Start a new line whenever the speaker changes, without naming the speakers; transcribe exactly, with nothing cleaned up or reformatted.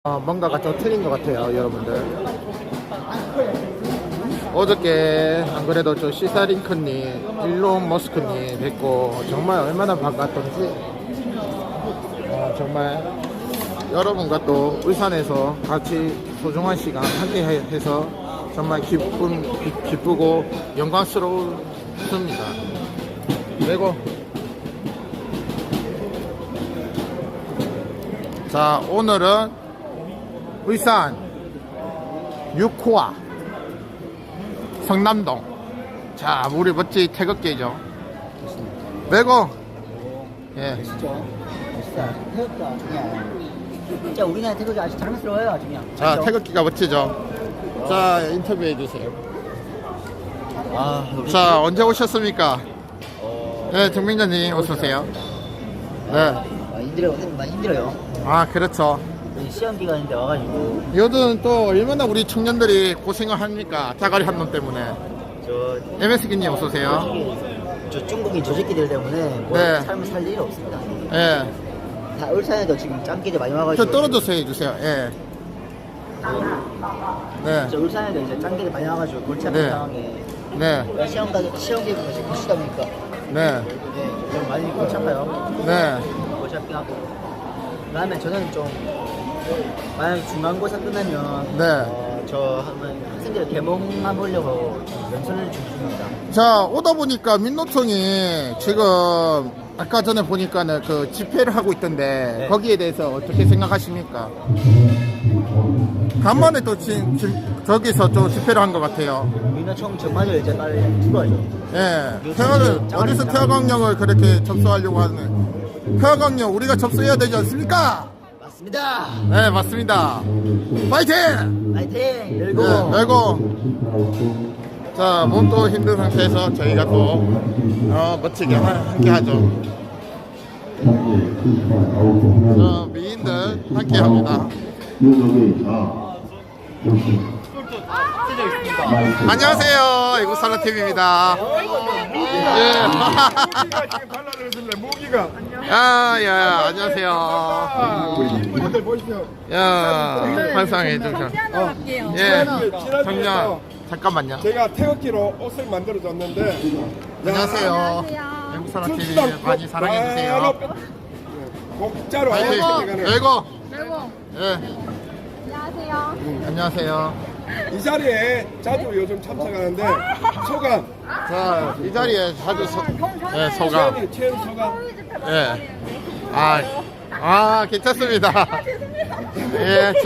어, 뭔가가 좀 틀린 것 같아요, 여러분들. 어저께 안 그래도 저 시사링크님, 일론 머스크님 뵙고 정말 얼마나 반갑던지. 어, 정말 여러분과 또 울산에서 같이 소중한 시간 함께 해서 정말 기쁨, 기, 기쁘고 영광스러웠습니다. 그리고 자, 오늘은 울산 육 호와 성남동. 자, 우리 멋지 태극기죠. 매고. 예.
멋있죠? 멋있다. 태극기가 그냥 진짜 우리나라 태극기 아주 자랑스러워요, 아주 그냥.
자,
그렇죠?
태극기가 멋지죠. 자, 인터뷰해 주세요.
아,
자, 언제 오셨습니까?
어,
네, 정민자님 어서 오세요. 네.
아, 힘들어요. 선생님 많이 힘들어요.
아, 그렇죠.
시험 기간인데 와가지고
요즘 또 얼마나 우리 청년들이 고생을 합니까? 자갈이 한놈 때문에.
저
엠에스기님 어서 오세요.
저 중국인 저 새끼들 때문에 뭐
네.
삶을 살 일이 없습니다.
예.
다 울산에도 지금 짱깨들 많이 와가지고
저 떨어져서 해주세요. 예. 네.
저 울산에도 이제 짱깨들 많이 와가지고 골치 아픈
네.
상황에
네.
시험 가서 시험 기간 같이 보시다 보니까
네.
네, 좀 많이 골치 아파요.
네.
골치 아프긴 하고 그다음에 저는 좀 만약에 중간고사 끝나면
네.
어, 저 한번 학생들 개몽해 보려고 좀 연설을 좀 중입니다.
자, 오다 보니까 민노총이 지금 아까 전에 보니까는 그 집회를 하고 있던데
네.
거기에 대해서 어떻게 생각하십니까? 간만에 또 지, 지, 저기서 또 집회를 한 것 같아요.
민노총 정말로 이제 빨리 들어와죠.
예. 태화를 어디서 태화강령을 그렇게 접수하려고 하는? 태화강령 우리가 접수해야 되지 않습니까?
맞습니다.
네, 맞습니다. 파이팅!
파이팅! 열고
네, 열고. 자, 몸도 힘든 상태에서 저희가 또 어, 멋지게 하, 함께 하죠. 자, 미인들 함께 합니다. 안녕하세요, 애국살라티비입니다. 예.
모기가
야, 야, 안녕하세요.
우리 분들 보십시오.
야, 환상해 주셔.
하나 갈게요.
예,
지난주에
정녕. 잠깐만요.
제가 태극기로 옷을 만들어 줬는데
안녕하세요. 애국살라티비 많이 사랑해 주세요.
목자로
파이팅.
하는
열고.
그리고
예,
안녕하세요.
안녕하세요.
이 자리에 자주 요즘 참석하는데 소감,
자, 이 자리에 자주 소, 예, 소감.
최은 최은 소감.
예. 아, 아, 괜찮습니다. 예.